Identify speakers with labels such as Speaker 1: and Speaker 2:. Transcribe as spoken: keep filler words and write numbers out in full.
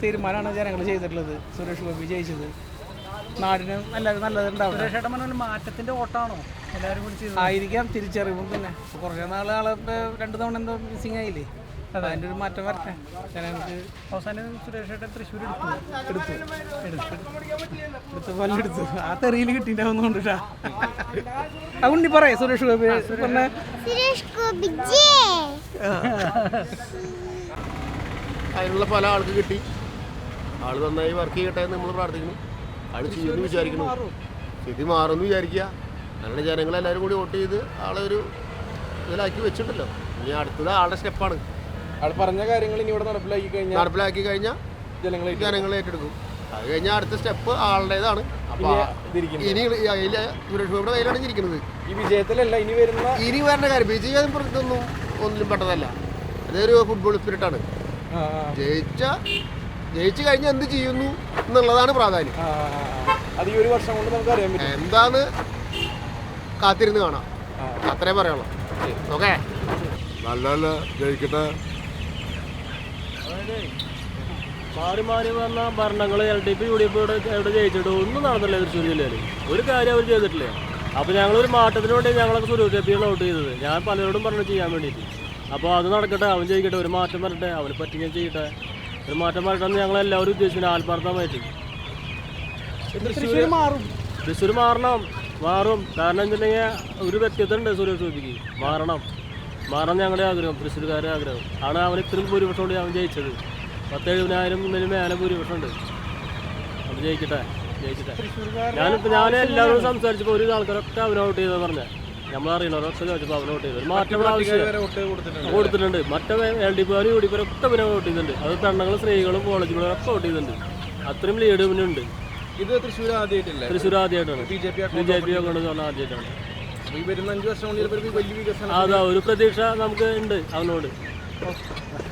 Speaker 1: തീരുമാനമാണ് ജനങ്ങൾ ചെയ്തിട്ടുള്ളത്. സുരേഷ് ഗോപി ജയിച്ചത് നാടിന് നല്ല നല്ലതുണ്ടാവും.
Speaker 2: മാറ്റത്തിന്റെ ഓട്ടാണോ എല്ലാവരും കൂടി
Speaker 1: ആയിരിക്കാം, തിരിച്ചറിവും. പിന്നെ കുറേ നാളെ ആളെ രണ്ട് തവണ എന്തോ മിസ്സിങ് ആയില്ലേ, അതിൻ്റെ ഒരു മാറ്റം വരട്ടെ ജനങ്ങൾക്ക്.
Speaker 2: അവസാനം സുരേഷ് ഏട്ടൻ തൃശ്ശൂർ എടുത്തു
Speaker 1: എടുത്തു എടുത്ത് പല്ലെടുത്തു. ആ തെറിയിൽ കിട്ടിയിട്ടുണ്ടാവുന്നോണ്ടാ. ആ ഉണ്ണി പറയേ സുരേഷ് ഗോപി പറഞ്ഞ
Speaker 3: അതിനുള്ള പല ആൾക്ക് കിട്ടി. ആള് നന്നായി വർക്ക് ചെയ്യട്ടെ എന്ന് നമ്മൾ പ്രാർത്ഥിക്കുന്നു. ആള് ചെയ്യുമെന്ന് വിചാരിക്കുന്നു. സ്ഥിതി മാറുമെന്ന് വിചാരിക്കുക. അങ്ങനെ ജനങ്ങളെല്ലാവരും കൂടി വോട്ട് ചെയ്ത് ആളെ ഒരു ഇതിലാക്കി വെച്ചിട്ടുണ്ടല്ലോ. ഇനി അടുത്തത് ആളുടെ സ്റ്റെപ്പാണ്.
Speaker 4: ആൾ പറഞ്ഞ കാര്യങ്ങൾ ഇനി ഇവിടെ നടപ്പിലാക്കി കഴിഞ്ഞാൽ
Speaker 3: നടപ്പിലാക്കി കഴിഞ്ഞാൽ ജനങ്ങളെ ജനങ്ങളെ ഏറ്റെടുക്കും. അത് കഴിഞ്ഞാൽ അടുത്ത സ്റ്റെപ്പ് ആളുടേതാണ്. അപ്പോൾ ഇനി സുരേഷ് ഗോപിയുടെ കയ്യിലാണ് ഇരിക്കുന്നത്.
Speaker 4: ഈ വിജയത്തിലല്ല ഇനി വരുന്ന
Speaker 3: ഇനി വരേണ്ട കാര്യം. വിജയം ഇതൊന്നും ഒന്നിലും പെട്ടതല്ല. അതൊരു ഫുട്ബോൾ സ്പിരിറ്റാണ്. ജയിച്ച ജയിച്ചു കഴിഞ്ഞാൽ എന്ത് ചെയ്യുന്നു എന്നുള്ളതാണ് പ്രാധാന്യം.
Speaker 4: അത് ഈ ഒരു വർഷം കൊണ്ട് നമുക്ക് അറിയാൻ പറ്റും.
Speaker 3: എന്താന്ന് കാത്തിരുന്ന് കാണാം. അത്രേ പറയുള്ളൂ. ഓക്കെ,
Speaker 5: നല്ല നല്ല ജയിക്കട്ടെ.
Speaker 6: മാറി മാറി വന്ന ഭരണങ്ങൾ L D P U D F ഇവിടെ എവിടെ ജയിച്ചിട്ട് ഒന്നും നടന്നില്ല തൃശ്ശൂർ ജില്ലയിൽ. ഒരു കാര്യം അവർ ചെയ്തിട്ടില്ല. അപ്പോൾ ഞങ്ങളൊരു മാറ്റത്തിന് വേണ്ടി ഞങ്ങളൊക്കെ സുരേഷ് ഗോപിയാണ് വോട്ട് ചെയ്തത്. ഞാൻ പലരോടും പറഞ്ഞു ചെയ്യാൻ വേണ്ടിയിട്ട്. അപ്പോൾ അത് നടക്കട്ടെ, അവൻ ജയിക്കട്ടെ, ഒരു മാറ്റം വരട്ടെ, അവന് പറ്റിങ്ങനെ ചെയ്യട്ടെ, ഒരു മാറ്റം വരട്ടെ എന്ന് ഞങ്ങളെല്ലാവരും ഉദ്ദേശിക്കുന്നു ആത്മാർത്ഥമായിട്ട്.
Speaker 1: തൃശ്ശൂർ മാറും,
Speaker 6: തൃശ്ശൂർ മാറണം, മാറും. കാരണം വെച്ചിട്ടുണ്ടെങ്കിൽ ഒരു വ്യക്തിത്വം ഉണ്ട് സുരേഷ് ഗോപിക്ക്. മാറണം മാറണം ഞങ്ങളുടെ ആഗ്രഹം, തൃശ്ശൂർക്കാരുടെ ആഗ്രഹം ആണ്. അവൻ ഇത്രയും ഭൂരിപക്ഷം കൊണ്ട് അവൻ ജയിച്ചത്. പത്ത് എഴുപതിനായിരം മുന്നിൽ മേലെ ഭൂരിപക്ഷം ഉണ്ട്. അത് ജയിക്കട്ടെ ജയിക്കട്ടെ. ഞാനിപ്പോൾ ഞാൻ എല്ലാവരോടും സംസാരിച്ചപ്പോൾ ഒരു ആൾക്കാരൊക്കെ അവനെ വോട്ട് ചെയ്തെന്ന് പറഞ്ഞാൽ നമ്മളറിയണവരൊക്കെ ചോദിച്ചപ്പോൾ അവനെ വോട്ട് ചെയ്തത്. മാറ്റം ആവശ്യം കൊടുത്തിട്ടുണ്ട്. മറ്റേ എൽ ഡി പിക്കാരും യു ഡി പിക്കാരും ഒക്കെ അവനെ വോട്ട് ചെയ്തിട്ടുണ്ട്. അത് പെണ്ണുങ്ങളും സ്ത്രീകളും കോളേജുകളും ഒക്കെ വോട്ട് ചെയ്തിട്ടുണ്ട്. അത്രയും ലീഡ് ഇവനുണ്ട്.
Speaker 4: ഇത് തൃശ്ശൂർ ആദ്യമായിട്ടില്ല,
Speaker 6: തൃശ്ശൂർ ആദ്യമായിട്ടാണ്. B J P B J P കൊണ്ട് പറഞ്ഞാൽ ആദ്യമായിട്ടാണ്.
Speaker 4: ഈ വരുന്ന അഞ്ച് വർഷം കൊണ്ട് വലിയ വികസനം
Speaker 6: അതാ ഒരു പ്രതീക്ഷ നമുക്ക് ഉണ്ട് അവനോട്.